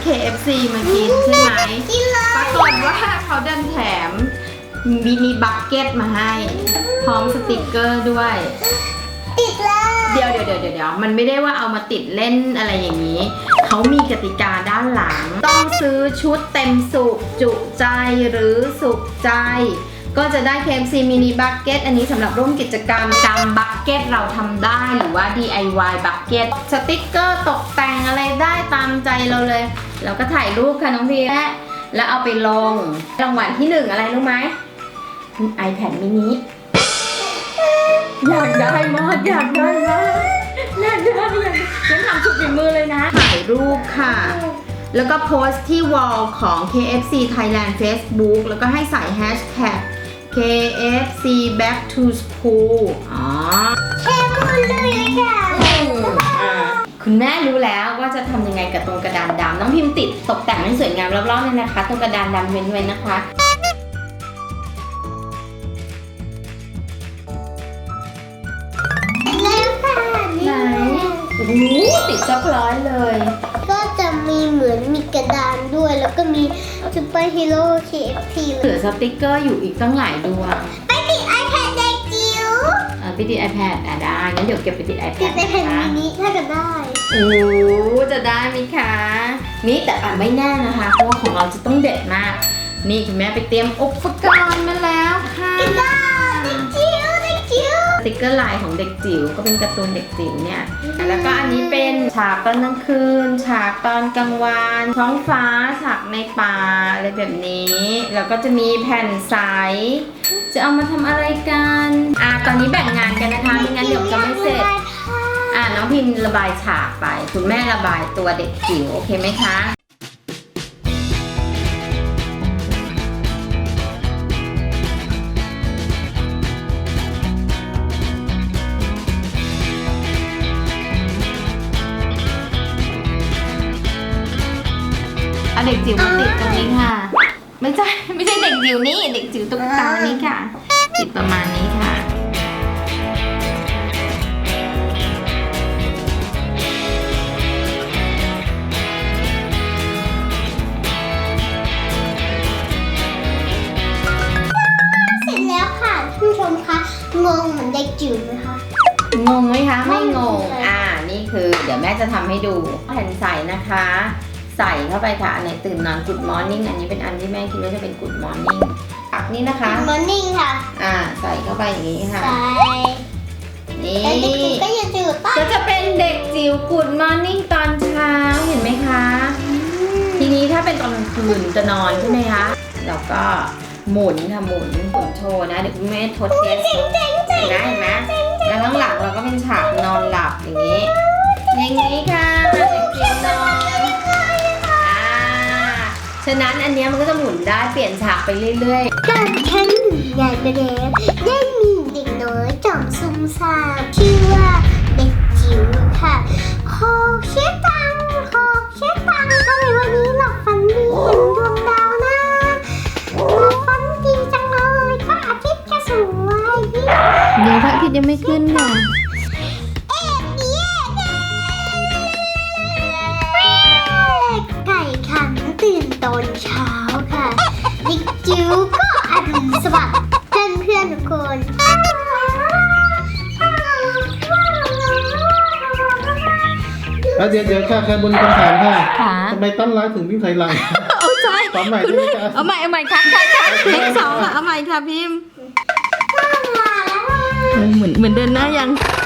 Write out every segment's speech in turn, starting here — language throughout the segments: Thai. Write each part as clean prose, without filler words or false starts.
KFC มากินใช่ไหมปรากฏว่าเขาดันแถมมินิบัคเก็ตมาให้พร้อมสติกเกอร์ด้วยติดแล้วเดี๋ยวมันไม่ได้ว่าเอามาติดเล่นอะไรอย่างนี้เขามีกติกาด้านหลังต้องซื้อชุดเต็มสุกจุใจหรือสุขใจก็จะได้ KFC มินิบัคเก็ตอันนี้สำหรับร่วมกิจกรรมจำบัคเก็ตเราทำได้หรือว่า DIY บัคเก็ตสติกเกอร์ตกแต่งอะไรได้ตามใจเราเลยแล้วก็ถ่ายรูปค่ะน้องพีแล้วเอาไปลงรางวัลที่1อะไรรู้ไหม iPad mini อยากได้มากงั้นทำสุดฝีมือเลยนะถ่ายรูปค่ะแล้วก็โพสต์ที่วอลของ KFC Thailand Facebook แล้วก็ให้ใส่แฮชแท็ก KFC Back to School แค่พูดเลยค่ะคุณแม่รู้แล้วว่าจะทำยังไงกับตรงกระดานดำน้องพิมพ์ติดตกแต่งให้สวยงามรอบๆเลยนะคะตรงกระดานดำเว้นไว้นะคะโอ้โหติดซับร้อยเลยก็จะมีเหมือนมีกระดานด้วยแล้วก็มีซูเปอร์ฮีโร่ KFC เหลือสติกเกอร์อยู่อีกตั้งหลายดวงไปติด iPad เด็กจิ๋วไปติด iPad ได้งั้นเดี๋ยวเก็บไปติด iPad ติด iPad มินิถ้าจะได้โอ้จะได้ไหมคะนี่แต่ไม่แน่นะคะเพราะว่าของเราจะต้องเด็ดมากนี่คุณแม่ไปเตรียมอุปกรณ์มาแล้วค่ะกระดาษเด็กจิ๋วสติกเกอร์ลายของเด็กจิ๋วก็เป็นการ์ตูนเด็กจิ๋วเนี่ยแล้วก็อันนี้เป็นฉากตอนกลางคืนฉากตอนกลางวันท้องฟ้าฉากในป่าอะไรแบบนี้แล้วก็จะมีแผ่นใสจะเอามาทำอะไรกันตอนนี้แบ่งงานกันนะคะไม่งั้นเดี๋ยวจะไม่เสร็จน้องพิมพ์ระบายฉากไปคุณแม่ระบายตัวเด็กจิ๋วโอเคไหมคะเด็กจิ๋วมาติดตรงนี้ค่ะไม่ใช่เด็กจิ๋วนี่เด็กจิ๋วตุ๊กตานี่ค่ะติดประมาณนี้ค่ะเสร็จแล้วค่ะผู้ชมคะงงเหมือนเด็กจิ๋วไหมคะงงไหมคะไม่งงนี่คือเดี๋ยวแม่จะทำให้ดูแผ่นใสนะคะใส่เข้าไปค่ะอันไหนตื่นนอน Good Morning อันนี้เป็นอันที่แม่คิดว่าจะเป็น Good Morning ปักนี่นะคะ Good Morning ค่ะใส่เข้าไปอย่างนี้ค่ะใส่นี่ก็จะจิ๋วก็จะเป็นเด็กจิ๋ว Good Morning ตอนเช้าเห็นไหมคะทีนี้ถ้าเป็นตอนกลางคืนจะนอนใช่ไหมคะแล้วก็หมุนค่ะหมุนโชว์นะเดี๋ยวคุณแม่ทดเทสเห็นไหมแล้วข้างหลังเราก็เป็นฉากนอนหลับอย่างนี้ค่ะเด็กจิ๋วนอนฉะนั้นอันนี้มันก็จะหมุนได้เปลี่ยนฉากไปเรื่อยๆการแข่งใหญ่ประเด็นได้มีเด็กน้อยจอมซุ่มซ่ามชื่อว่าเด็กจิ๋วค่ะขอเช็ดตังทำไมวันนี้หลับฝันดีเห็นดวงดาวนะหลับฝันดีจังเลยพระอาทิตย์จะสวยเดี๋ยวพระอาทิตย์ยังไม่ขึ้นค่ะตื่นตอนเช้าค่ะเด็กจิ๋วก็อรุณสวัสดิ์เพื่อนทุกคนแล้วเดี๋ยวค่ะแค่บนคำถามค่ะทำไมต้นร้ายถึงวิ่งถอยหลังใช่ตอนใหม่ใช่ไหมคะเอาใหม่ค่ะเลข2เอาใหม่ค่ะพิมพ์เหมือนเดินหน้ายัง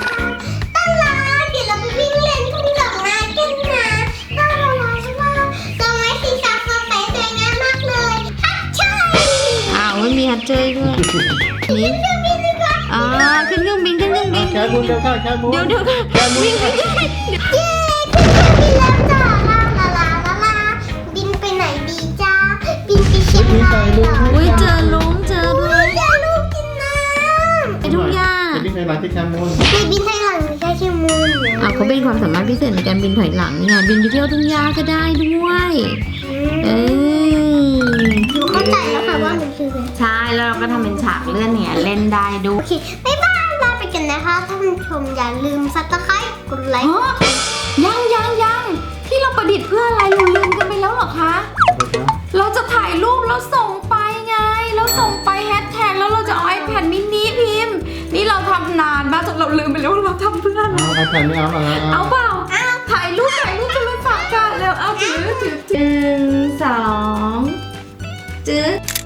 ไม่มีฮัตเจยด้วยนี่ขึ้นเครื่องบินแค่บุญเดี๋ยวค่ะแค่บุญเดี๋ยววิ่งเย้ขึ้นเครื่องบินแล้วจ้าลาบินไปไหนดีจ้าบินไปเชียงรายเหรอเจอลุงกินน้ำไปทุ่งหญ้าบินไทยหลังที่แคมูนบินไทยหลังใช่ชิมูนเขาเป็นความสามารถพิเศษในการบินถอยหลังเนี่ยบินไปเที่ยวทุ่งหญ้าก็ได้ด้วยเข้าใจแล้วค่ะว่ามันคือใช่แล้วเราก็ทำเป็นฉากเลื่อนเนี่ยเล่นได้ดูโอเคบ๊ายบายลาไปกันนะคะท่านผู้ชมอย่าลืมซับสไครบ์กดไลค์ยังที่เราประดิษฐ์เพื่ออะไรเราลืมกันไปแล้วอคะ เราจะถ่ายรูปแล้วส่งไปไง เราส่งไปแฮชแท็กแล้วเราจะเอา iPad mini พิมพ์ นี่เราทำนานมากจนเราลืมไปแล้วว่าเราทำเพื่อนเอาiPad ไม่เอาเหรอเอาเปล่าถ่ายรูปกันเลยฝากกันแล้วเอาถือ1 2จื้อ